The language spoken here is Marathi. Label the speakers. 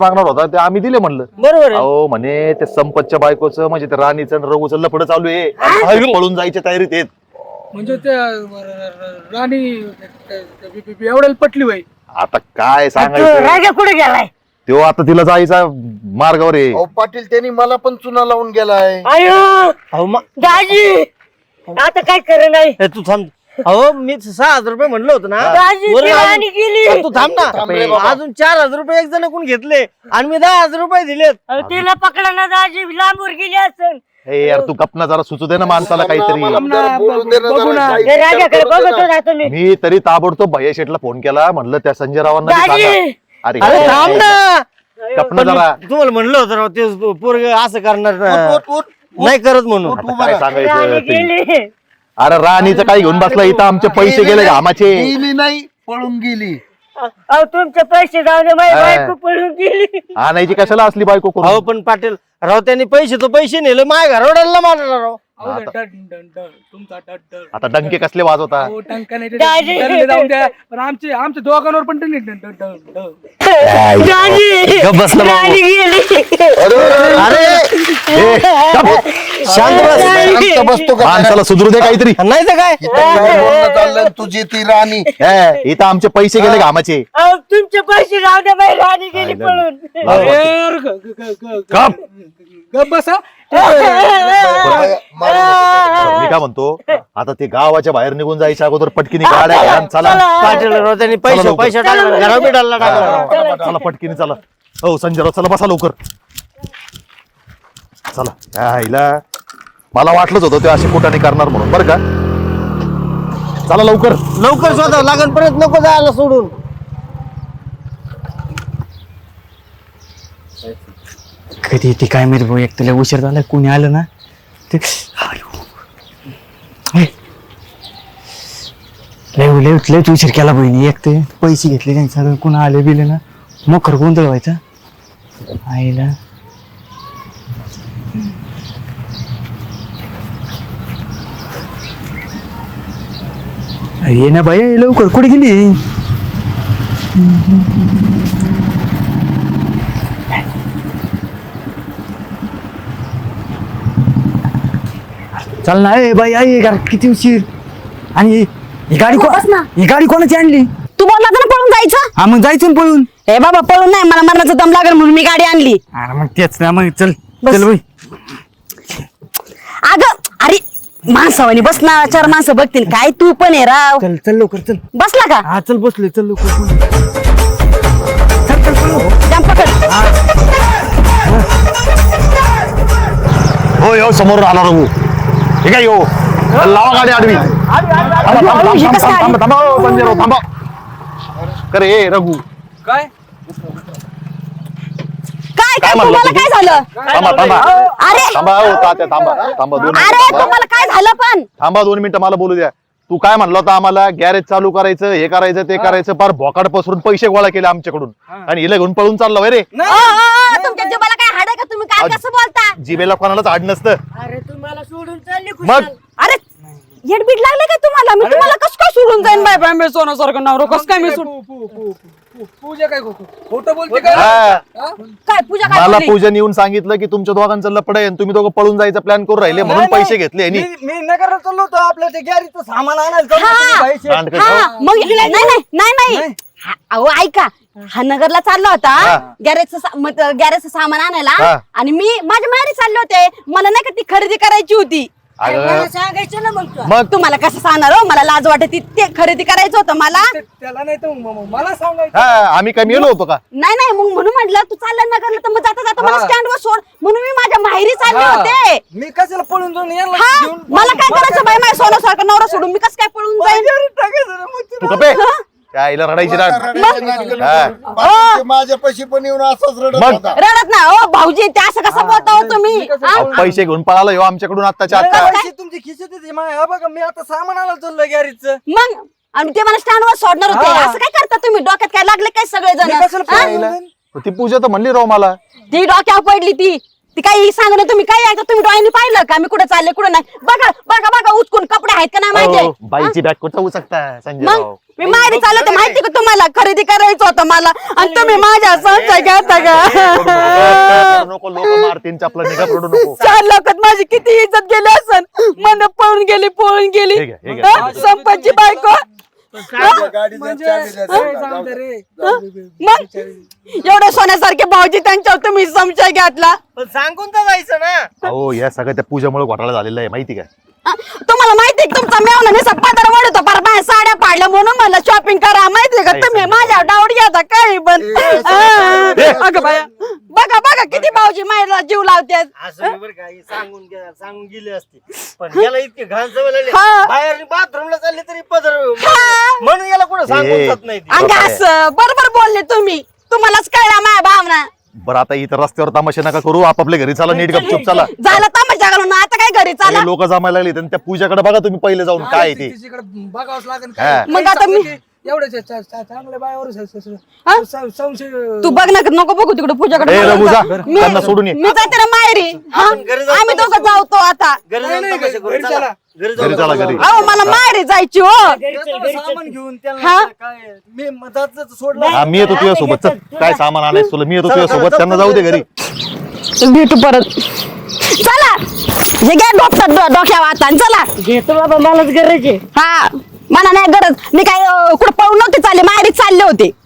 Speaker 1: मागणार होता ते आम्ही दिले म्हणलं.
Speaker 2: बरोबर
Speaker 1: अहो म्हणे ते संपतच्या बायकोचं म्हणजे ते राणीचं आणि रघुचं लफडं चालू आहे, पळून जायच्या तयारीत आहेत.
Speaker 3: म्हणजे त्या राणी एवढ्याला पटली बाई.
Speaker 1: आता काय सांगायचं,
Speaker 2: राजा कुठे गेलाय?
Speaker 1: तो आता तिला जायचा मार्गावर आहे.
Speaker 4: अहो पाटील त्यांनी मला पण चुना लावून गेलाय.
Speaker 2: अयो दाजी आता काय कर नाही. तू थांब. अहो मी 6,000 रुपये म्हणलं होतं ना. तू थांब ना. अजून 4,000 रुपये एक जण कोण घेतले आणि मी 10,000 रुपये दिलेत. तिला पकडा ना दाजी, लांबवर गेली असेल.
Speaker 1: हे यार तू गपना जरा सुचू दे ना माणसाला काहीतरी. मी तरी ताबडतोब भैया शेठला फोन केला, म्हणलं त्या संजय रावांना बी सांगा. अरे
Speaker 2: थांब ना.
Speaker 1: गपना जरा.
Speaker 2: तुम्हाला म्हणलं होतं राव ते पोरग असं करणार नाही करत म्हणून.
Speaker 1: काय सांगायचं. अरे राणीचं काय घेऊन बसला इथं, आमचे पैसे गेले घामाचे.
Speaker 4: गेली नाही, पळून गेली.
Speaker 2: तुमचे पैसे जाऊ दे, माझी बायको पळून गेली.
Speaker 1: आणायची कशाला असली बायको करून.
Speaker 2: अहो पण पाटील राव त्यांनी पैसे नेले, माझ्या घरवड्याला मारला राव.
Speaker 1: आता डंके कसले वाजवता.
Speaker 3: जाऊन द्या पण आमच्या दोघांवर पण
Speaker 4: शांत बसतो का?
Speaker 1: माणसाला सुधरू दे काहीतरी.
Speaker 2: नाही तर काय
Speaker 4: चाललंय तुझी ती राणी.
Speaker 1: इथं आमचे पैसे गेले घामाचे.
Speaker 2: तुमचे पैसे जाऊ दे, माझी राणी गेली पळून.
Speaker 3: गप बसा.
Speaker 1: मी काय म्हणतो, आता ते गावाच्या बाहेर निघून जायच्या अगोदर पटकीने गाड्या घ्या, चला.
Speaker 2: पाटील राव त्यांनी पैसे टाकला, घराबी टाकला.
Speaker 1: चला पटकीने चला. हो संजय राव चला, बसा लवकर चला. हिला मला वाटलंच होतं ते असे कुठाने करणार म्हणून, बरं का. चला लवकर
Speaker 2: लवकर स्वतः लागण परत नको जायला सोडून.
Speaker 5: कधी येते काय माहिती भाऊ, एक तुला उशीर झाला, कोणी आलं ना ते लयच उशीर केला बहिणी. एक ते पैसे घेतले त्यांनी सगळं, कोण आले बिले ना मोखर गोंधळ व्हायचा आईला. ये ना बाई लवकर, कुठे गेली. चल ना ए बाई, आई किती उशीर. आणि ही गाडी कोणाची आणली.
Speaker 6: तू बोलला ना पळून जायचं.
Speaker 5: हा मग जायचं ना पळून.
Speaker 6: ए बाबा पळून नाही, मला मरणाचा दम लागेल म्हणून मी गाडी आणली.
Speaker 5: अरे मग तेच ना, मग चल चल बाई.
Speaker 6: अगं अरे माणसावानी बस ना, 4 माणसं बघतील काय. तू पण आहे राव.
Speaker 5: चल चल लवकर चल.
Speaker 6: बसला का.
Speaker 5: हा चल बसलोय, चल लवकर. चल चल चल.
Speaker 6: जाम पकड.
Speaker 1: हो यो समोर आला रघु. ठीक आहे, यो लावा गाडी आडवी. थांबा हो, संजय राव थांबा. करे ए रघु
Speaker 3: काय
Speaker 6: काय काय
Speaker 1: म्हणलं
Speaker 6: तुम्हाला
Speaker 1: तुम्ही?
Speaker 6: काय झालं.
Speaker 1: थांबा.
Speaker 6: अरे
Speaker 1: थांबा हो तात्या, थांबा 2
Speaker 6: अरे
Speaker 1: मिनिटं.
Speaker 6: तुम्हाला काय झालं पण.
Speaker 1: थांबा 2 मिनिटं, मला बोलू द्या. तू काय म्हणलं होता आम्हाला, गॅरेज चालू करायचं, हे करायचं ते करायचं, फार भोकाड पसरून पैसे गोळा केले आमच्याकडून आणि हिला घेऊन पळून चाललो रे.
Speaker 6: तुमच्या जीवाला काय हाड आहे का. तुम्ही काय कसं बोलता.
Speaker 1: जिबेला कोणालाच आड नसतं.
Speaker 2: अरे तुम्हाला सोडून चालली
Speaker 1: मग
Speaker 6: अरे येडबीड लागले काय तुम्हाला. मी तुम्हाला कसं काय सोडून जाईन बाय बाय. मी सोन्यासारखं नवरा कसं काय मी सोडून.
Speaker 3: पूजा काय खोटं बोलते काय.
Speaker 1: हा.
Speaker 6: काय पूजा काय
Speaker 1: मला
Speaker 6: बोलली?
Speaker 1: पूजन येऊन सांगितलं की तुमच्या दोघांचं लपड आहे आणि तुम्ही दोघं पळून जायचा प्लॅन करून राहिले म्हणून पैसे घेतले.
Speaker 2: मी नगरला चाललो होतो, आपलं ते गॅरीचं सामान आणायला
Speaker 6: हा मग नाही अहो ऐका. हा नगरला चालला होता गॅरेजचं सामान आणायला आणि मी माझ्या माहेरी चालले होते. मला नाही का ती खरेदी करायची होती.
Speaker 2: सांगायचं ना मग.
Speaker 1: मग
Speaker 6: तुम्हाला कसं सांगणार हो, मला लाज वाटते. ते खरेदी करायचं होतं मला.
Speaker 3: त्याला नाही तर मला सांगायचं.
Speaker 1: आम्ही काय मेलो होतो का.
Speaker 6: नाही मग म्हणून म्हटलं तू चालला नगरला तर मग जाता मला स्टँडवर सोड म्हणून मी माझ्या माहेरी चालले होते.
Speaker 2: मी कशाला पळून जाऊन
Speaker 6: हा मला काय करायचं बाई. माझ्या सोन्यासारखं नवरा सोडून मी कसं काय पळून जाईन.
Speaker 1: तू कपे त्या आईला रडायची
Speaker 4: माझ्या पैसे पण येऊन असंच रडत
Speaker 1: मग?
Speaker 4: होता.
Speaker 6: रडत ना हो भाऊजी. ते असं कसं बोलता हो तुम्ही. हा?
Speaker 1: पैसे घेऊन पळाला हो आमच्याकडून आत्ताच्या आत्ता.
Speaker 2: तुमची खिशात बघा, मी आता सामान आणायला चाललो गॅरीचं.
Speaker 6: मग आणि ते मला स्टँडवर सोडणार होते. असं काय करता तुम्ही. डोक्यात काय लागले काय सगळे जण.
Speaker 1: ती पूजा तर म्हणली राव मला.
Speaker 6: ती डोक्यावर पडली ती काही सांगणं. तुम्ही काय ऐकता. तुम्ही डोळ्यांनी पाहिलं का मी कुठे चालले कुठे नाही. बघा उचकून कपडे आहेत का नाही माहिती.
Speaker 1: बाईची बॅग कुठं उचकता संजय
Speaker 6: मग
Speaker 1: राव.
Speaker 6: मी माहेरी चालले होते माहिती का तुम्हाला, खरेदी करायचं होतं मला आणि तुम्ही माझ्या संशय घेता का?
Speaker 1: नको, लोक मारतीन आपला निघा पडू नको.
Speaker 6: 4 लोकात माझी किती इज्जत गेली असन, मन पळून गेली
Speaker 1: हे घ्या, हे घ्या.
Speaker 6: हा? संपतची बायको
Speaker 3: म्हणजे जाऊ दे रे.
Speaker 6: मग एवढे सोन्यासारखे भाऊजी त्यांच्यावर तुम्ही संशय घातला.
Speaker 2: पण सांगून तर जायचं ना.
Speaker 1: अहो या सगळ्या त्या पूजामुळे घोटाळा झालेला आहे माहिती काय?
Speaker 6: तुम्हाला माहितीये का तुमचा मेवना निसा पदर वडतो पर बाहेर साड्या पाडल्या म्हणून मला शॉपिंग करा माहितीये का तुम्ही माझ्या डाऊट घेता काही पण. अगं बाया बघा किती भाऊजी मायला जीव लावतात.
Speaker 2: असं बरं का, हे सांगून गेले असते, पण याला इतके घाण सवय लागली.
Speaker 6: हा.
Speaker 2: बाहेर बाथरूमला चालले तरी पदर म्हणून याला कुठं सांगून जात नाही ती.
Speaker 6: अंग असं बरोबर बोलले तुम्ही, तुम्हालाच कळला माझ्या भावना.
Speaker 1: बरं आता इथं रस्त्यावर तमाशा नका करू, आपापल्या घरी चला, नीट गपचूप चला.
Speaker 6: झालं तमाशा घालून आता काय घरी चाला.
Speaker 1: लोक जमायला लागली त्या पूजाकडे बघा तुम्ही पहिले जाऊन काय आहे ते.
Speaker 3: तिच्याकडे बघावंच लागेल
Speaker 1: हा.
Speaker 3: काय.
Speaker 6: मग आता मी-
Speaker 3: एवढेच चांगले बायावर
Speaker 6: हा?
Speaker 3: संशय.
Speaker 6: तू बघ ना नको बघू तिकडे पूजाकडे.
Speaker 1: ए, रघु, जा.
Speaker 6: मी
Speaker 1: त्यांना सोडून ये.
Speaker 6: मी जाते ना माहेरी. हा?
Speaker 2: आपण घरी जाऊ
Speaker 6: आम्ही दोघं
Speaker 2: तमाशा
Speaker 6: जाऊ आता.
Speaker 2: घरी जाऊन
Speaker 3: नाही,
Speaker 2: तमाशा करू.
Speaker 3: घरी
Speaker 2: चला.
Speaker 3: चला.
Speaker 2: घरी
Speaker 1: घरी चला, घरी.
Speaker 6: अहो मला माहेरी जायची हो.
Speaker 2: सामान घेऊन
Speaker 6: हा?
Speaker 2: काय मी मधातच सोडलं.
Speaker 1: हा, मी येतो तुझ्या सोबत. चल काय सामान आणायचं तुला, मी येतो तुझ्या सोबत. त्यांना जाऊ दे घरी.
Speaker 6: भेटू परत. चला जे घ्या डोक्यावर आता आणि चला.
Speaker 2: घेतो बाबा, मलाच गरज आहे.
Speaker 6: हा मला नाही गरज, मी काय कुठं पळून नव्हते चालले, माहेरी चालले होते.